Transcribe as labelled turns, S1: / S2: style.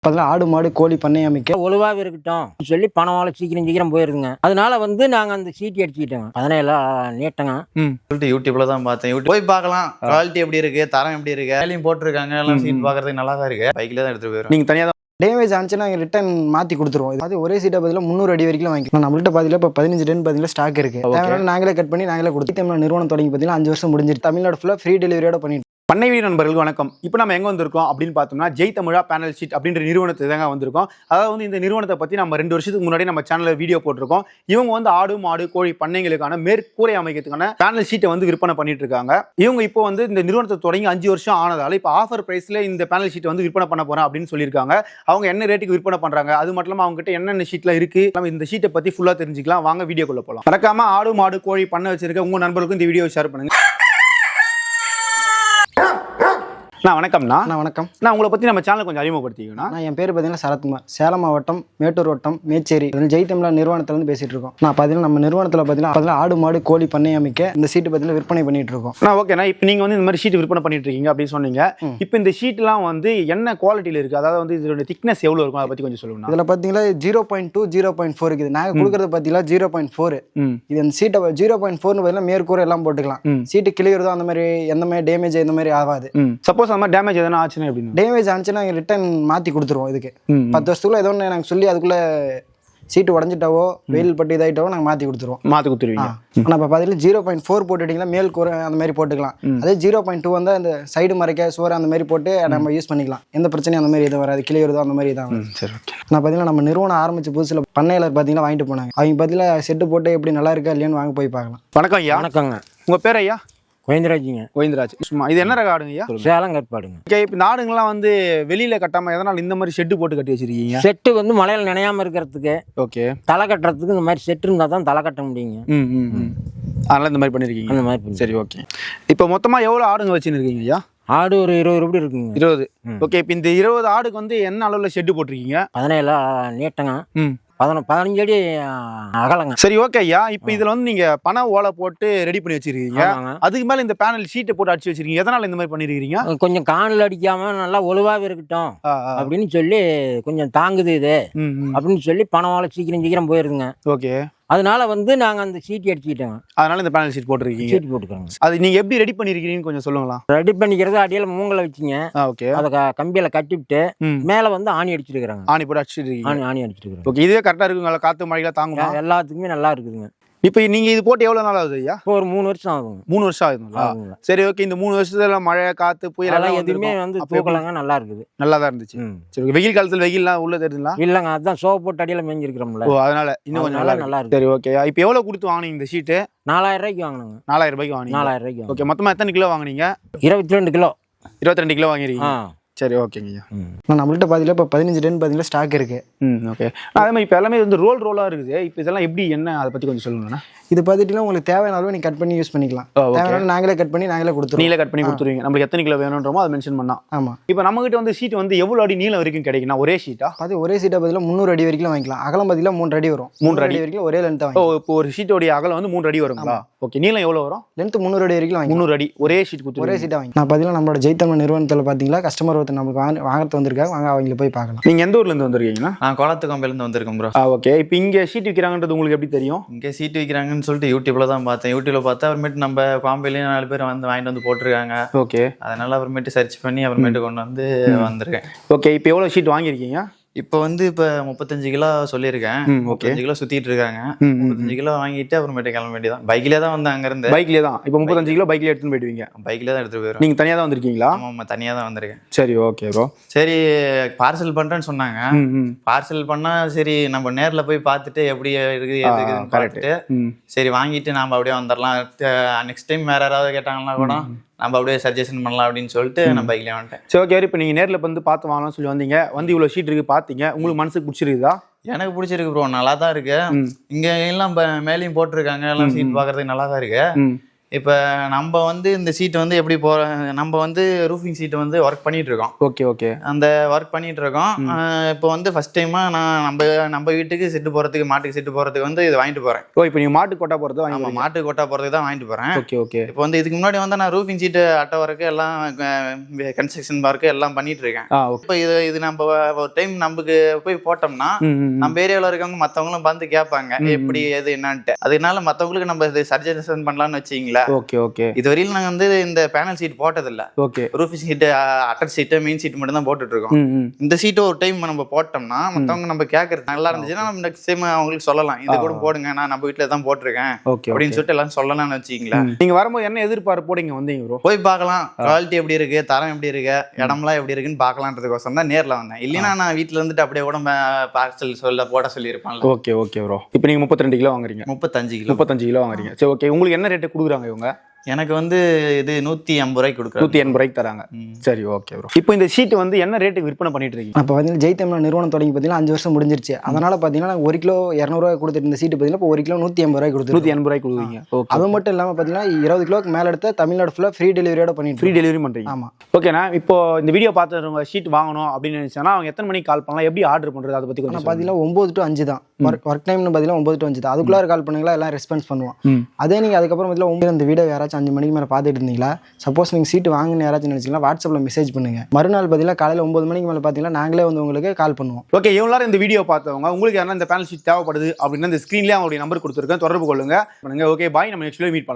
S1: பதில் ஆடு மாடு கோழி பண்ணை அமைக்க
S2: ஒழுவாக இருக்கட்டும் சொல்லி பணம் சீக்கிரம் போயிருதுங்க. அதனால நாங்கள் அந்த சீட்டி அடிச்சுக்கிட்டோங்க. 17 நீட்டங்க
S3: சொல்லிட்டு யூடியூப்ல தான் பார்த்தேன். யூடியூப் போய் பார்க்கலாம், குவாலிட்டி எப்படி இருக்கு, தரம் எப்படி இருக்கு, வேலையும் போட்டிருக்காங்க, எல்லாம் சீட் பார்க்கறதுக்கு நல்லா தான் இருக்கு. பைக்ல தான் எடுத்துட்டு போயிடும்.
S1: நீங்க தனியாக தான் டேமேஜ் ஆனிச்சுன்னா நாங்கள் ரிட்டர்ன் மாற்றி கொடுத்துருவோம். அது ஒரே சீட்டை பதில் 300 அடி வரைக்கும் வாங்கிக்கலாம். நம்மள்ட்ட பார்த்தீங்கன்னா இப்போ 15 டன் பார்த்தீங்கன்னா ஸ்டாக் இருக்கு. நாங்களே கட் பண்ணி நாங்களே கொடுத்து நிறுவனம் தொடங்கி பார்த்தீங்கன்னா 5 வருஷம் முடிஞ்சிருக்கு. தமிழ்நாடு ஃபுல்லாக ஃப்ரீ டெலிவரியோட பண்ணிட்டு
S4: பண்ணை வீடு நண்பர்களுக்கு வணக்கம். இப்போ நம்ம எங்கே வந்திருக்கோம் அப்படின்னு பார்த்தோம்னா ஜெய் தமிழா பேனல் ஷீட் அப்படின்ற நிறுவனத்தை தாங்க வந்திருக்கோம். அதாவது இந்த நிறுவனத்தை பற்றி நம்ம 2 வருஷத்துக்கு முன்னாடி நம்ம சேனலில் வீடியோ போட்டிருக்கோம். இவங்க ஆடு மாடு கோழி பண்ணைகளுக்கான மேற்கூரை அமைக்கிறதுக்கான பேனல் ஷீட்டை விற்பனை பண்ணிட்டு இருக்காங்க. இவங்க இப்போ இந்த நிறுவனத்தை தொடங்கி 5 வருஷம் ஆனதால இப்போ ஆஃபர் பிரைஸ்ல இந்த பேனல் ஷீட்டை விற்பனை பண்ண போறேன் அப்படின்னு சொல்லியிருக்காங்க. அவங்க என்ன ரேட்டுக்கு விற்பனை பண்றாங்க, அது மட்டும் இல்லாமல் அவங்க கிட்ட என்னென்ன ஷீட்ல இருக்கு, நம்ம இந்த ஷீட்டை பத்தி ஃபுல்லா தெரிஞ்சுக்கலாம். வாங்க வீடியோக்குள்ள போகலாம். மறக்காம ஆடு மாடு கோழி பண்ணை வச்சிருக்க உங்க நண்பர்களுக்கும் இந்த வீடியோ ஷேர் பண்ணுங்க. வணக்கம்ண்ணா.
S1: வணக்கம்.
S4: நான் உங்களை பற்றி நம்ம சேனல் கொஞ்சம் அறிமுகப்படுத்திக்கணும்.
S1: நான் என் பேர் பார்த்தீங்கன்னா சரத்குமார், சேலம் மாவட்டம் மேட்டூர் வட்டம் மேச்சேரி ஜெய் தமிழா நிறுவனத்திலிருந்து பேசிட்டு இருக்கோம். நான் பார்த்தீங்கன்னா நம்ம நிறுவனத்தில் பார்த்தீங்கன்னா ஆடு மாடு கோழி பண்ணை அமைக்க இந்த சீட்டு பார்த்தீங்கன்னா விற்பனை பண்ணிட்டு இருக்கோம்.
S4: ஓகேண்ணா, இப்போ நீங்கள் இந்த மாதிரி ஷீட் விற்பனை பண்ணிட்டு இருக்கீங்க அப்படின்னு சொன்னீங்க. இப்போ இந்த ஷீட்லாம் என்ன குவாலிட்டியில் இருக்கு, அதாவது இதோட திக்னஸ் எவ்வளோ இருக்கும், அதை பற்றி கொஞ்சம் சொல்லுங்க.
S1: இதில் பார்த்தீங்கன்னா 0.2 0.4 இருக்குது. நாங்கள் கொடுக்குறது பார்த்தீங்கன்னா 0.4. இது அந்த சீட்டை 0.4 பார்த்தீங்கன்னா மேற்கூரை எல்லாம் போட்டுக்கலாம். சீட்டு கிளியறதோ அந்த மாதிரி எந்த மாதிரி டேமேஜ் இந்த மாதிரி ஆகாது.
S4: சப்போஸ் அந்த மாதிரி டேமேஜ் எதனா ஆச்சுன்னா எப்படின்னா
S1: டேமேஜ் ஆச்சுன்னா நாங்கள் ரிட்டர்ன் மாற்றி கொடுத்துருவோம். இதுக்கு 10 வருஷத்துக்குள்ள ஏதோ ஒன்று நாங்கள் சொல்லி அதுக்குள்ளே சீட்டு உடஞ்சிட்டாவோ வெயில் பட்டு இதாயிட்டாவோ நாங்கள் மாற்றி கொடுத்துருவோம்.
S4: மாற்றி கொடுத்துருவீங்க.
S1: ஆனால் இப்போ பார்த்தீங்கன்னா 0.4 போட்டுட்டிங்கன்னா மேல் கூரை அந்த மாதிரி போட்டுக்கலாம். அதே 0.2 வந்து அந்த சைடு மறைக்க சோறு அந்த மாதிரி போட்டு நம்ம யூஸ் பண்ணிக்கலாம். எந்த பிரச்சனையும் அந்த மாதிரி எதுவும் வராது, கிளியறதோ அந்த மாதிரி தான்.
S4: சரி, ஓகே.
S1: நான் பார்த்தீங்கன்னா நம்ம நிறுவனம் ஆரம்பிச்ச புதுசில் பண்ணையில் பார்த்தீங்கன்னா வாங்கிட்டு போனாங்க. அவங்க பார்த்தீங்கன்னா செட்டு போட்டு எப்படி நல்லா இருக்கா இல்லையான்னு வாங்க போய் பார்க்கலாம்.
S4: வணக்கம் ஐயா.
S2: வணக்கங்க.
S4: உங்கள் பேர் ஐயா?
S2: கோவிந்தராஜுங்க.
S4: கோவிந்தராஜ். சும்மா இது என்ன ரக ஆடுங்க ஐயா?
S2: சேலம் கற்பாடுங்க.
S4: ஓகே. இப்போ இந்த ஆடுங்கள்லாம் வெளியில கட்டாம எதனால இந்த மாதிரி ஷெட்டு போட்டு கட்டி வச்சிருக்கீங்க?
S2: செட்டு மழையில நினையாம இருக்கிறதுக்கு,
S4: ஓகே,
S2: தலை கட்டுறதுக்கு இந்த மாதிரி செட்டு இருந்தால் தான் தலை கட்ட முடியுங்க.
S4: அதனால இந்த மாதிரி பண்ணிருக்கீங்க.
S2: அந்த மாதிரி.
S4: சரி, ஓகே. இப்போ மொத்தமா எவ்வளவு ஆடுங்க வச்சுருக்கீங்க ஐயா?
S2: ஆடு ஒரு 20 ரூபாய் இருக்குங்க.
S4: 20. ஓகே. இப்போ இந்த 20 ஆடுக்கு என்ன அளவுல ஷெட்டு போட்டிருக்கீங்க?
S2: 17 நீட்டங்க, 15 அடி அகலங்க.
S4: சரி, ஓகே ஐயா. இப்போ இதுல நீங்க பண ஓலை போட்டு ரெடி பண்ணி வச்சிருக்கீங்க. அதுக்கு மேல இந்த பேனல் ஷீட்டை போட்டு அடிச்சு வச்சிருக்கீங்க. எதனால இந்த மாதிரி பண்ணிருக்கீங்க?
S2: கொஞ்சம் காணில் அடிக்காம நல்லா ஒழுவாக இருக்கட்டும் அப்படின்னு சொல்லி கொஞ்சம் தாங்குது இது அப்படின்னு சொல்லி பணம் ஓலை சீக்கிரம் போயிருதுங்க.
S4: ஓகே.
S2: அதனால நாங்கள் அந்த சீட்டி அடிச்சுக்கிட்டோங்க.
S4: அதனால இந்த பேனல் ஷீட் போட்டிருக்கீங்க.
S2: சீட் போட்டுக்கிறோங்க.
S4: அது நீங்க எப்படி ரெடி பண்ணிருக்கீங்கன்னு கொஞ்சம் சொல்லுங்களா?
S2: ரெடி பண்ணிக்கிறது அடியில மூங்கலை வச்சுங்க.
S4: ஓகே.
S2: அதை கம்பியில கட்டிவிட்டு மேல ஆணி அடிச்சிருக்காங்க.
S4: ஆணி போட்டு அடிச்சிருக்கீங்க.
S2: ஆணி அடிச்சிருக்காங்க.
S4: ஓகே. இதுவே கரெக்டா இருக்குங்களா? காத்து மழையில தாங்குமா?
S2: எல்லாத்துக்குமே நல்லா இருக்குதுங்க.
S4: இப்போ நீங்க இது போட்டு எவ்வளவு நாள் ஆகுது ஐயா?
S2: இப்போ ஒரு 3 வருஷம் ஆகுங்க.
S4: 3 வருஷம் ஆகுதுங்களா? சரி, ஓகே. இந்த 3 வருஷத்துல மழை காத்து புயல் எல்லாம்
S2: எதுவுமே தூக்கலாங்க, நல்லா இருக்குது.
S4: நல்லா தான் இருந்துச்சு. சரி, வெயில் காலத்துல வெயில்லாம் உள்ள தெரியுதுங்களா?
S2: இல்லங்க, அதுதான் சோப்பு போட்டு அடியில மேஞ்சிருக்கிறோம்ல.
S4: ஓ, அதனால இன்னும் கொஞ்சம் நல்லா இருக்கு. சரி, ஓகே. இப்போ எவ்வளவு கொடுத்து வாங்குனீங்க இந்த ஷீட்டு?
S2: 4000 ரூபாய்க்கு வாங்கினாங்க.
S4: 4000 ரூபாய்க்கு வாங்குனீங்க.
S2: 4000 ரூபாய்க்கு.
S4: ஓகே. மொத்தமா எத்தனை கிலோ வாங்குனீங்க?
S2: 22 கிலோ.
S4: 22 கிலோ வாங்கிருக்கீங்க. சரி, ஓகேங்க ஐயா.
S1: நம்மள்ட்ட பார்த்தீங்கன்னா இப்போ 15 டன் பார்த்தீங்கன்னா ஸ்டாக் இருக்கு.
S4: ஓகே. அதே மாதிரி இப்போ எல்லாமே ரோலா இருக்குது. இப்போ இதெல்லாம் எப்படி என்ன அதை பத்தி கொஞ்சம் சொல்லுங்கண்ணா.
S1: இது பார்த்துட்டீங்கன்னா உங்களுக்கு தேவையான அளவு நீங்க கட் பண்ணி யூஸ் பண்ணிக்கலாம். தேவையான நாங்களே கட் பண்ணி நாங்களே கொடுத்துருவோம்.
S4: நீங்களே கட் பண்ணி கொடுத்துருவீங்க. நம்மளுக்கு எத்தனை கிலோ வேணும்ன்றமோ அதை மென்ஷன் பண்ணா.
S1: ஆமா.
S4: இப்போ நம்ம கிட்ட ஷீட் எவ்வளவு அடி நீளம் வரைக்கும் கிடைக்கும்னா ஒரே ஷீட்டா?
S1: அது ஒரே ஷீட்டை பதிலாக 300 அடி வரைக்கும் வாங்கிக்கலாம். அகலம் பார்த்தீங்கன்னா 3 அடி வரும்.
S4: 3 அடி
S1: வரைக்கும் ஒரே லென்த் வாங்கி.
S4: ஓ, இப்போ ஒரு ஷீட்டோட அகலம் 3 அடி வருங்களா? ஓகே. நீளம் எவ்வளவு வரும்?
S1: லென்த் 300 அடி வரைக்கும் வாங்கி.
S4: 300 அடி ஒரே ஷீட் கொடுத்து
S1: ஒரே ஷீட்டை வாங்கி. நான் பார்த்தீங்கன்னா நம்மளோட ஜெய் தமிழ் நிறுவனத்தில் பார்த்தீங்கன்னா கஸ்டமர் ஒருத்தர் நமக்கு வாங்கறது வந்திருக்காங்க. வாங்க அவங்கள போய் பார்க்கலாம்.
S4: நீங்க எந்த ஊர்ல இருந்து வந்திருக்கீங்கன்னா?
S3: நான் கோலத்துக்கம்பையில இருந்து வந்திருக்கேன் ப்ரோ.
S4: ஓகே. இப்போ இங்க ஷீட் விற்கிறாங்கன்றது உங்களுக்கு எப்படி தெரியும்?
S3: இங்கே சீட் விற்கிறாங்கன்னு சொல்லிட்டு யூடியூப்ல தான் பார்த்தேன். யூடியூப்ல பார்த்தா அப்புறமேட்டு நம்ம காம்பையிலையும் 4 பேர் வாங்கிட்டு போட்டிருக்காங்க.
S4: ஓகே.
S3: அதனால அப்புறமேட்டு சர்ச் பண்ணி அப்புறமேட்டு கொண்டு வந்திருக்கேன்.
S4: ஓகே. இப்போ எவ்வளவு ஷீட் வாங்கியிருக்கீங்க?
S3: இப்போ இப்போ 35 கிலோ சொல்லியிருக்கேன். 35 கிலோ சுத்திட்டு இருக்காங்க. 35 கிலோ வாங்கிட்டு அப்புறமேட்டு கிளம்ப வேண்டியதான். பைக்லேயே தான் வந்தேன். அங்க இருந்து
S4: பைக்லேயே தான். இப்போ 35 கிலோ பைக்லேயே எடுத்துன்னு போயிடுவீங்க?
S3: பைக்லேயே தான் எடுத்துட்டு போயிடும்.
S4: நீங்க தனியா தான் வந்திருக்கீங்களா?
S3: ஆமா, தனியா தான் வந்திருக்கேன்.
S4: சரி, ஓகே ப்ரோ.
S3: சரி, பார்சல் பண்றேன்னு சொன்னாங்க. பார்சல் பண்ணா சரி நம்ம நேர்ல போய் பார்த்துட்டு எப்படி இருக்குது எதுக்குன்னு பார்த்துட்டு சரி வாங்கிட்டு நாம அப்படியே வந்துடலாம். நெக்ஸ்ட் டைம் வேற யாராவது கேட்டாங்கன்னா கூட நம்ம அப்படியே சஜஷன் பண்ணலாம் அப்படின்னு சொல்லிட்டு நான் பைக்லேயே வந்துட்டேன்.
S4: சரி, ஓகே. இப்போ நீங்கள் நேரில் பார்த்து வாங்கலாம்னு சொல்லி வந்தீங்க. இவ்வளோ ஷீட் இருக்கு பார்த்தீங்க. உங்களுக்கு மனசுக்கு பிடிச்சிருக்குதா?
S3: எனக்கு பிடிச்சிருக்கு ப்ரோ. நல்லா தான் இருக்கு. இங்க எல்லாம் மேலேயும் போட்டிருக்காங்க. எல்லாம் சீட் பார்க்கறதுக்கு நல்லா தான் இருக்கு. இப்போ நம்ம வந்து இந்த சீட் வந்து எப்படி நம்ம வந்து ரூஃபிங் சீட் வந்து ஒர்க் பண்ணிட்டு இருக்கோம்.
S4: Okay okay.
S3: அந்த ஒர்க் பண்ணிட்டு இருக்கோம். இப்போ வந்து ஃபர்ஸ்ட் டைமா நான் நம்ம வீட்டுக்கு செட்டு போறதுக்கு, மாட்டுக்கு செட்டு போறதுக்கு வந்து இது வாங்கிட்டு போறேன்.
S4: ஓ, இப்போ நீங்க மாட்டு கொட்டா போறது
S3: ஆமா, மாட்டு கொட்டா போறதுக்கு தான் வாங்கிட்டு போறேன்.
S4: Okay okay.
S3: இப்போ வந்து இதுக்கு முன்னாடி வந்து நான் ரூஃபிங் சீட் அட்டை ஒர்க்கு எல்லாம் கன்ஸ்ட்ரக்ஷன் ஒர்க்கு எல்லாம் பண்ணிட்டு இருக்கேன். இப்போ இது நம்ம ஒரு டைம் நமக்கு போய் போட்டோம்னா நம்ம ஏரியாவில் இருக்கவங்க மற்றவங்களும் வந்து கேட்பாங்க எப்படி எது என்னன்ட்டு. அதனால மற்றவங்களுக்கு நம்ம இது சஜஷன் பண்ணலாம்னு வச்சிங்களா.
S4: Okay okay.
S3: இதுவரையிலும் நாங்கள் வந்து இந்த பேனல் சீட் போட்டதில்லை.
S4: ஓகே.
S3: ரூஃபிங் சீட்டு, அட்டர் சீட்டு, மெயின் சீட் மட்டும் தான் போட்டுட்டு இருக்கோம். இந்த சீட்டு ஒரு டைம் நம்ம போட்டோம்னா மற்றவங்க நம்ம கேட்கறது நல்லா இருந்துச்சுன்னா நம்ம நெக்ஸ்ட் டைம் அவங்களுக்கு சொல்லலாம், இது கூட போடுங்க, நான் நம்ம வீட்டில் தான் போட்டிருக்கேன் அப்படின்னு சொல்லிட்டு எல்லாம் சொல்லலாம்னு வச்சிங்களா.
S4: நீங்க வரும்போது என்ன எதிர்பார்ப்போட இங்க வந்தீங்க ப்ரோ?
S3: போய் பார்க்கலாம், குவாலிட்டி எப்படி இருக்கு, தரம் எப்படி இருக்கு, இடம்லாம் எப்படி இருக்குன்னு பார்க்கலான்றதுக்கோசம் தான் நேரில் வந்தேன். இல்லைன்னா நான் வீட்டில் இருந்துட்டு அப்படியே கூட பார்சல் போட சொல்லியிருப்பாங்க.
S4: Okay okay bro. இப்போ நீங்க 32 கிலோ வாங்குறீங்க? 35 கிலோ வாங்குறீங்க. சரி ஓகே. உங்களுக்கு என்ன ரேட்டு கொடுக்குறாங்க இவங்க?
S3: எனக்கு வந்து இது 180 ரூபாய்க்கு கொடுக்குறாங்க.
S4: 180 ரூபாய்க்கு தராங்க. சரி ஓகே ப்ரோ. இப்போ இந்த ஷீட் வந்து என்ன ரேட்டுக்கு விற்பனை பண்ணிட்டு இருக்கீங்க?
S1: அப்போ பார்த்தீங்கன்னா ஜெய் தமிழா நிறுவனம் தொடங்கி பார்த்தீங்கன்னா 5 வருஷம் முடிஞ்சிருச்சு. அதனால பார்த்தீங்கன்னா 1 கிலோ 200 ரூபாய் கொடுத்துட்டு இந்த சீட்டு பார்த்தீங்கன்னா இப்போ 1 கிலோ 180 ரூபாய் கொடுத்து
S4: 180 ரூபாய்க்கு கொடுக்குறீங்க. ஓகே.
S1: அது மட்டும் இல்லாமல் பார்த்தீங்கன்னா 20 கிலோக்கு மேலே எடுத்த தமிழ்நாடு ஃபுல்லாக ஃப்ரீ டெலிவரியோட பண்ணிட்டு
S4: ஃப்ரீ டெலிவரி பண்ணுறீங்க?
S1: ஆமாம்.
S4: ஓகேண்ணா. இப்போ இந்த வீடியோ பார்த்துறவங்க ஷீட் வாங்கணும் அப்படின்னு நினைச்சாங்கன்னா அவங்க எத்தனை மணிக்கு கால் பண்ணலாம், எப்படி ஆர்டர் பண்ணுறது, அதை பற்றி கொஞ்சம்
S1: பார்த்தீங்கன்னா 9 to 5 தான் ஒர்க் டைம்னு பார்த்தீங்கன்னா 9 to 5 தான். அதுக்குள்ளார கால் பண்ணுங்களா, எல்லாம் ரெஸ்பான்ஸ் பண்ணுவோம். அதே நீங்கள் அதுக்கப்புறம் பார்த்தீங்கன்னா இந்த வீடியோ யாராச்சும் 5 மணிக்கு மேலே பார்த்துட்டு இருந்தீங்களா, சப்போஸ் நீங்கள் சீட்டு வாங்கணும்னு யாராச்சும் நினைச்சீங்கன்னா வாட்ஸ்அப்பில் மெசேஜ் பண்ணுங்க. மறுநாள் பார்த்தீங்கன்னா காலையில் 9 மணிக்கு மேலே பார்த்தீங்கன்னா நாங்களே வந்து உங்களுக்கு கால் பண்ணுவோம்.
S4: ஓகே. இவங்களாரும் இந்த வீடியோ பார்த்தவங்க உங்களுக்கு யாரா இந்த பேனல் ஷீட் தேவைப்படுது அப்படின்னா இந்த ஸ்க்ரீன்லேயே அவங்களுடைய நம்பர் கொடுத்துருக்கேன், தொடர்பு கொள்ளுங்க. Okay bye. நம்ம நெக்ஸ்ட் வீடியோ மீட் பண்ணலாம்.